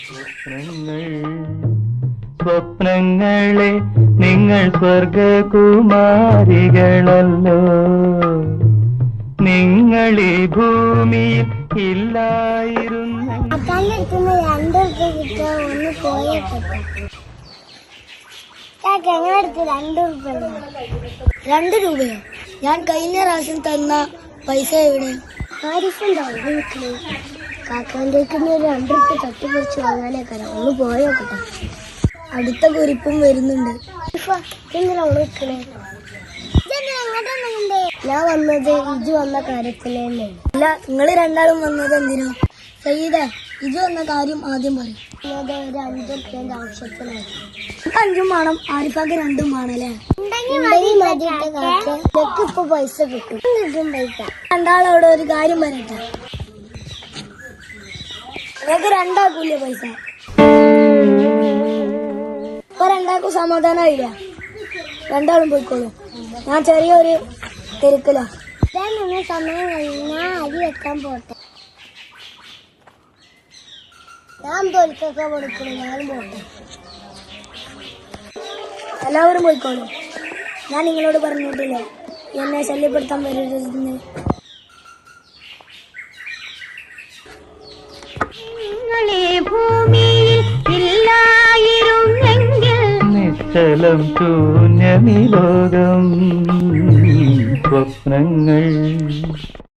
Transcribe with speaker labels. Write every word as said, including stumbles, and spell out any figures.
Speaker 1: സ്വപ്നങ്ങളെ നിങ്ങൾ സ്വർഗകുമാരികളല്ലോ, നിങ്ങൾ ഈ ഭൂമിയിൽ ഇല്ലായിരുന്നു.
Speaker 2: രണ്ട് രൂപ കിട്ടാൻ ഒന്ന് പോയേക്കട്ടെ. രണ്ട് രൂപ രണ്ട് രൂപയോ? ഞാൻ കഴിഞ്ഞ പ്രാവശ്യം തന്ന പൈസ എവിടെ? കാക്കാന്റെ രണ്ട് രൂപ തട്ടിപ്പറിച്ച് വാങ്ങാനേക്കാരം. ഒന്ന് പോയോക്കട്ടെ. അടുത്ത കുരിപ്പും വരുന്നുണ്ട്. ഞാൻ വന്നത് ഇജു വന്ന കാര്യത്തിലല്ലേ? അല്ല, നിങ്ങൾ രണ്ടാളും വന്നത് എന്തിനോ? സയ്യിദേ, ഇജു വന്ന കാര്യം ആദ്യം പറയും. ഒരു അഞ്ചു റുപ്യന്റെ ആവശ്യത്തിനാണ്. അഞ്ചും വേണം, ആരിപ്പാക്ക് രണ്ടും വേണല്ലേ? ഇപ്പൊ പൈസ കിട്ടും. കിട്ടും പൈസ. രണ്ടാളോട് ഒരു കാര്യം പറയട്ടെ, നിങ്ങൾക്ക് രണ്ടാക്കൂല്ലേ പൈസ? ഇപ്പൊ രണ്ടാക്കും സമാധാനമായില്ല. രണ്ടാളും പോയിക്കോളൂ. ഞാൻ ചെറിയൊരു തിരക്കില. സമയം കഴിഞ്ഞാ അരി വെക്കാൻ പോട്ടെ. ഞാൻ തോൽക്കൊക്കെ കൊടുക്കണം. ഞാനും പോട്ടെ. എല്ലാവരും പോയിക്കോളൂ. ഞാൻ നിങ്ങളോട് പറഞ്ഞിട്ടില്ലേ എന്നെ ശല്യപ്പെടുത്താൻ വരരുതെന്ന്.
Speaker 3: ഭൂമിയിൽ ഇല്ലായിരുന്നെങ്കിൽ
Speaker 1: നിശ്ചലം ശൂന്യമി ലോകം. സ്വപ്നങ്ങൾ